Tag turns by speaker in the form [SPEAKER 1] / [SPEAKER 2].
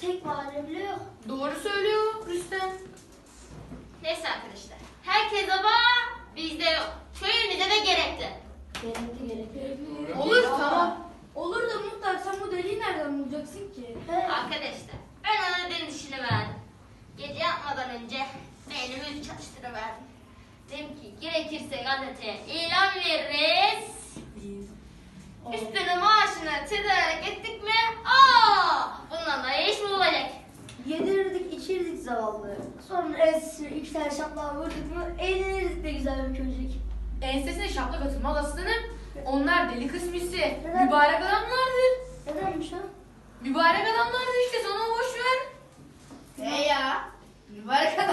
[SPEAKER 1] tek mahalle bile yok.
[SPEAKER 2] Doğru söylüyor Rüstem.
[SPEAKER 3] Neyse arkadaşlar. Herkes ama bizde yok. Köyümüzde de gerekli.
[SPEAKER 1] Gerekli.
[SPEAKER 2] Olur tamam.
[SPEAKER 4] Olur da muhtar sen bu deliği nereden bulacaksın ki?
[SPEAKER 3] Arkadaşlar ben ona dedim işini verdim. Gece yatmadan önce beynimi çalıştırıverdim. Dedim ki gerekirse gazeteye ilan veririz. Üstüne maaşını tedarik ettik mi? Bundan da iş mi olacak?
[SPEAKER 1] Yedirirdik, içirdik zavallı. Sonra ensesine 2 tane şaplığa vurduk mu eğlenirdik de güzel bir köşek.
[SPEAKER 2] Ensesine şaplak atılmaz aslanım. Onlar deli kısmisi.
[SPEAKER 1] Neden?
[SPEAKER 2] Mübarek adamlardır.
[SPEAKER 1] Nedenmiş o?
[SPEAKER 2] Mübarek adamlardır işte, sana boş ver.
[SPEAKER 4] Ya mübarek